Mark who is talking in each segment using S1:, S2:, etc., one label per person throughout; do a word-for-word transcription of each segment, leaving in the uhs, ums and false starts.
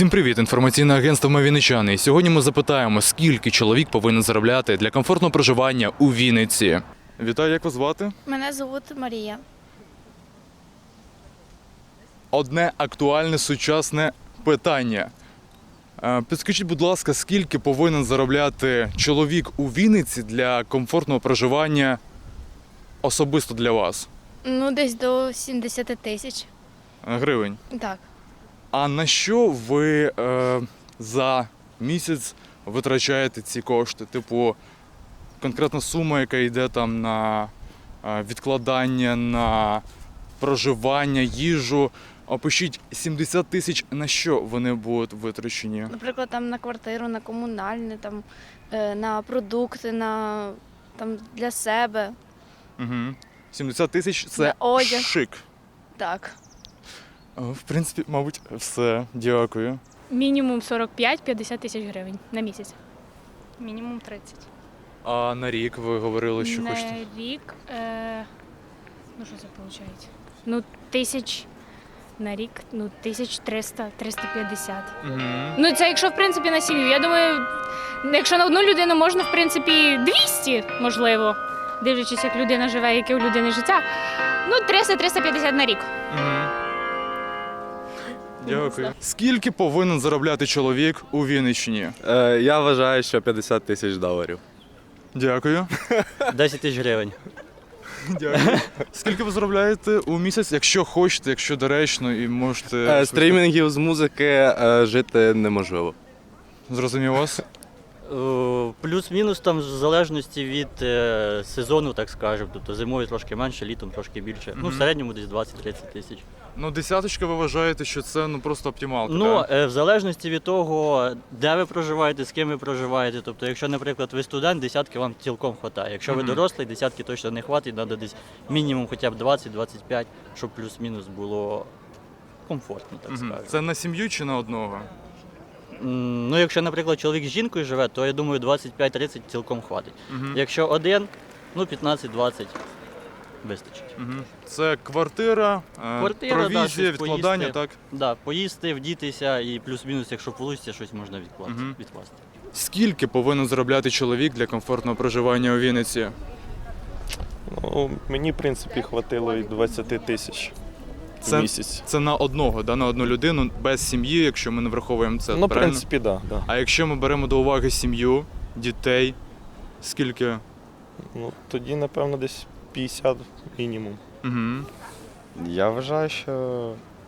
S1: Всім привіт! Інформаційне агентство «Ми вінничани». І сьогодні ми запитаємо, скільки чоловік повинен заробляти для комфортного проживання у Вінниці. Вітаю, як вас звати?
S2: Мене звуть Марія.
S1: Одне актуальне сучасне питання. Е, Підскажіть, будь ласка, скільки повинен заробляти чоловік у Вінниці для комфортного проживання особисто для вас?
S2: Ну, десь до сімдесят тисяч.
S1: Е, Гривень.
S2: Так.
S1: А на що ви е, за місяць витрачаєте ці кошти? Типу, конкретна сума, яка йде там на е, відкладання, на проживання, їжу. Опишіть сімдесят тисяч, на що вони будуть витрачені?
S2: Наприклад, там на квартиру, на комунальне, там, е, на продукти, на, там, для себе.
S1: Угу. сімдесят тисяч –
S2: На
S1: це
S2: одяг.
S1: шик.
S2: Так.
S1: Е, В принципі, мабуть, все. Дякую.
S3: Мінімум сорок п'ять - п'ятдесят тисяч гривень на місяць. Мінімум тридцять.
S1: А на рік ви говорили, що
S3: на
S1: хочете?
S3: рік, е, ну що це виходить? Ну, тисяч на рік, ну, тисяч триста - триста п'ятдесят.
S1: Угу.
S3: Ну, це якщо, в принципі, на сім'ю. Я думаю, якщо на одну людину можна, в принципі, двісті, можливо, дивлячись, як людина живе, яке у людини життя. Ну, триста - триста п'ятдесят на рік.
S1: Угу. Дякую. Скільки повинен заробляти чоловік у Вінниччині?
S4: Е, я вважаю, що п'ятдесят тисяч доларів.
S1: Дякую.
S5: десять тисяч гривень.
S1: Дякую. Скільки ви заробляєте у місяць, якщо хочете, якщо доречно і можете...
S4: Е, стрімінгів з музики е, жити неможливо.
S1: Зрозумів вас?
S5: Е, Плюс-мінус там в залежності від е, сезону, так скажемо. Тобто зимою трошки менше, літом трошки більше. Ну, в
S1: Мгм.
S5: середньому десь двадцять-тридцять тисяч.
S1: Ну, десяточка ви вважаєте, що це ну просто оптималка,
S5: Ну,
S1: так?
S5: е, в залежності від того, де ви проживаєте, з ким ви проживаєте. Тобто, якщо, наприклад, ви студент, десятки вам цілком вистачає. Якщо ви
S1: Мгм.
S5: дорослий, десятки точно не хватить, треба десь мінімум хоча б двадцять - двадцять п'ять, щоб плюс-мінус було комфортно, так
S1: Мгм.
S5: скажемо.
S1: Це на сім'ю чи на одного?
S5: М, Ну, якщо, наприклад, чоловік з жінкою живе, то я думаю, двадцять п'ять - тридцять цілком хватить.
S1: Мгм.
S5: Якщо один, ну п'ятнадцять - двадцять вистачить.
S1: Мгм. Це квартира, е,
S5: Квартира, да,
S1: провізія,
S5: щось
S1: відкладання,
S5: поїсти.
S1: так?
S5: Да, поїсти, вдітися і плюс-мінус, якщо вийде, щось можна відкласти.
S1: Мгм.
S5: відкласти.
S1: Скільки повинен заробляти чоловік для комфортного проживання у Вінниці?
S6: Ну, мені, в принципі, хватило і двадцяти тисяч в
S1: Це-
S6: місяць.
S1: Це на одного, да, на одну людину, без сім'ї, якщо ми не враховуємо це,
S6: Ну, в
S1: правильно?
S6: принципі, так. Да, да.
S1: А якщо ми беремо до уваги сім'ю, дітей, скільки?
S6: Ну, тоді, напевно, десь п'ятдесят мінімум.
S1: Угу.
S7: Я вважаю, що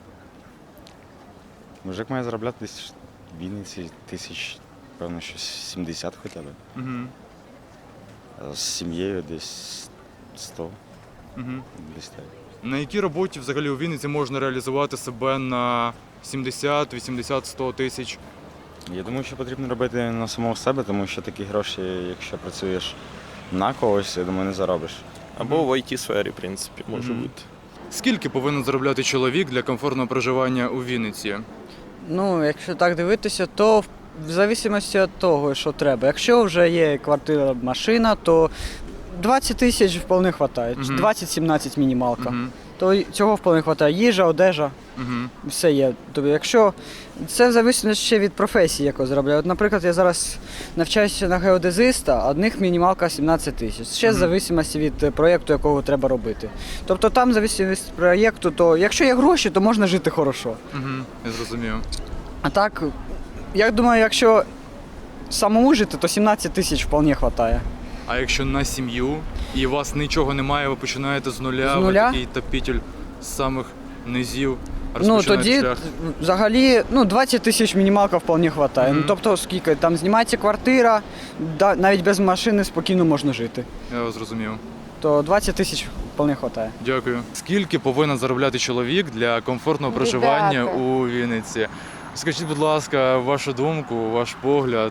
S7: мужик має заробляти десь в Вінниці тисяч, певно, щось сімдесят хоча б.
S1: Угу.
S7: А з сім'єю десь сто,
S1: Угу.
S7: десь так.
S1: На якій роботі взагалі у Вінниці можна реалізувати себе на сімдесят, вісімдесят, сто тисяч?
S7: Я думаю, що потрібно робити на самого себе, тому що такі гроші, якщо працюєш на когось, я думаю, не заробиш.
S6: Або в ай ті-сфері, в принципі, може
S1: Мгм.
S6: бути.
S1: Скільки повинен заробляти чоловік для комфортного проживання у Вінниці?
S8: Ну, якщо так дивитися, то в в залежності від того, що треба. Якщо вже є квартира, машина, то двадцять тисяч вполне вистачає.
S1: Мгм.
S8: двадцять-сімнадцять мінімалка.
S1: Угу.
S8: То й цього вполне вистачає. Їжа, одежа,
S1: Угу.
S8: все є. Тобто, якщо це в залежності ще від професії, яку зробляю. От, наприклад, я зараз навчаюся на геодезиста, а одних мінімалка сімнадцять тисяч. Ще
S1: Мгм.
S8: в залежності від е, проєкту, якого треба робити. Тобто там, в залежності від проєкту, то якщо є гроші, то можна жити хорошо.
S1: Угу. Я зрозумів.
S8: А так, я думаю, якщо самому жити, то сімнадцять тисяч вполне вистачає.
S1: А якщо на сім'ю і у вас нічого немає, ви починаєте з нуля,
S8: З
S1: ви
S8: нуля?
S1: такий топітель з самих низів,
S8: Ну
S1: розпочинаєте
S8: тоді
S1: шлях.
S8: взагалі ну, двадцять тисяч мінімалка вполне вистачає.
S1: Мгм.
S8: Ну, тобто, скільки там знімається квартира, да, навіть без машини спокійно можна жити.
S1: Я вас зрозумів.
S8: То двадцять тисяч вполне вистачає.
S1: Дякую. Скільки повинен заробляти чоловік для комфортного проживання у Вінниці? Скажіть, будь ласка, вашу думку, ваш погляд.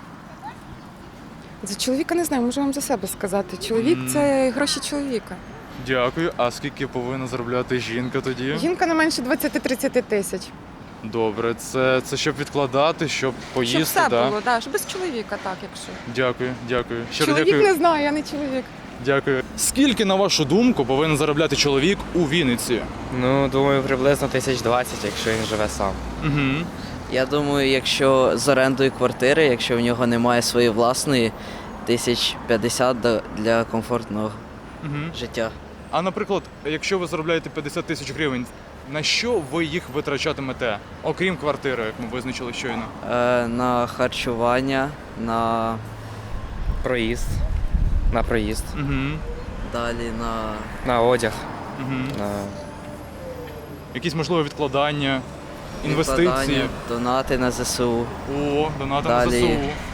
S9: За чоловіка не знаю, можу вам за себе сказати. Чоловік
S1: Мгм.
S9: це гроші чоловіка.
S1: Дякую. А скільки повинна заробляти жінка тоді?
S9: Жінка не менше двадцять-тридцять тисяч.
S1: Добре, це, це щоб відкладати, щоб поїсти,
S9: Щоб все
S1: да?
S9: було, да, щоб без чоловіка, так, якщо.
S1: Дякую, дякую. Щиро
S9: Чоловік
S1: дякую.
S9: не знаю, я не чоловік.
S1: Дякую. Скільки, на вашу думку, повинен заробляти чоловік у Вінниці?
S10: Ну, думаю, приблизно тисяч двадцять, якщо він живе сам.
S1: Угу.
S10: Я думаю, якщо з орендою квартири, якщо в нього немає своєї власної, тисяч п'ятдесят до- для комфортного
S1: Угу.
S10: життя.
S1: А наприклад, якщо ви заробляєте п'ятдесят тисяч гривень, на що ви їх витрачатимете, окрім квартири, як ми визначили щойно?
S10: Е, на харчування, на
S11: Проїзд. На проїзд.
S1: Угу.
S10: далі на
S11: На одяг.
S1: Угу.
S11: На...
S1: Якісь можливо відкладання, інвестиції.
S10: відкладання, донати на ЗСУ.
S1: О, донати на
S10: Далі.
S1: ЗСУ.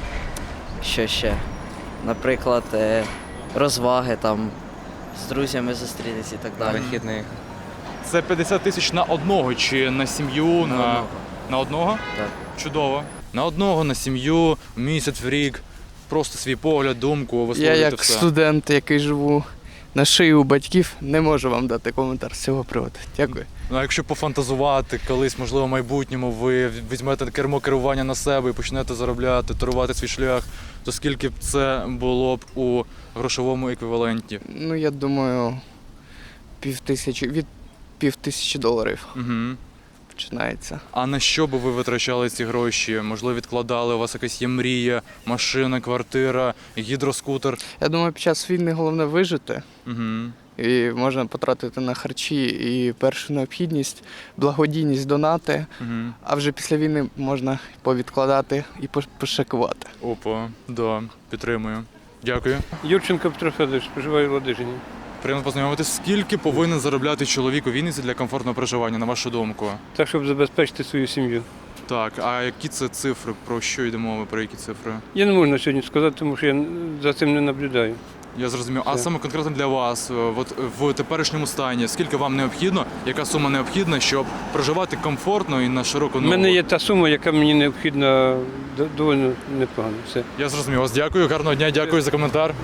S10: Що ще? Наприклад, е, розваги там з друзями зустрітися і так
S11: На
S10: далі.
S11: вихідних.
S1: Це п'ятдесят тисяч на одного чи на сім'ю?
S10: На
S1: на...
S10: одного.
S1: на одного?
S10: Так.
S1: Чудово. На одного, на сім'ю, в місяць, в рік. Просто свій погляд, думку,
S12: Я
S1: висловлюєте
S12: як
S1: все.
S12: студент, який живу на шиї у батьків, не можу вам дати коментар з цього приводу. Дякую.
S1: Ну, а якщо пофантазувати, колись, можливо, в майбутньому ви візьмете кермо керування на себе і почнете заробляти, торувати свій шлях, то скільки б це було б у грошовому еквіваленті?
S12: Ну, я думаю, пів тисячі, від пів тисячі доларів
S1: Угу.
S12: починається.
S1: А на що би ви витрачали ці гроші? Можливо, відкладали, у вас якась є мрія, машина, квартира, гідроскутер?
S12: Я думаю, під час війни головне вижити.
S1: Угу.
S12: І можна потратити на харчі і першу необхідність, благодійність, донати.
S1: Угу.
S12: А вже після війни можна повідкладати і пош- пошикувати.
S1: Опа, да, підтримую. Дякую.
S6: Юрченко Петро Федорович, проживаю в Ладижині.
S1: Приємно познайомитися. Скільки повинен заробляти чоловік у Вінниці для комфортного проживання, на вашу думку?
S6: Так, щоб забезпечити свою сім'ю.
S1: Так, а які це цифри? Про що йде мова? Про які цифри?
S6: Я не можу на сьогодні сказати, тому що я за цим не наблюдаю.
S1: Я зрозумів. А
S6: Все.
S1: саме конкретно для вас, е, от в теперішньому стані, скільки вам необхідно, яка сума необхідна, щоб проживати комфортно і на широку
S6: У
S1: ногу?
S6: мене є та сума, яка мені необхідна д- доволі непогано. Все.
S1: Я зрозумів вас. Дякую, гарного дня, дякую за коментар.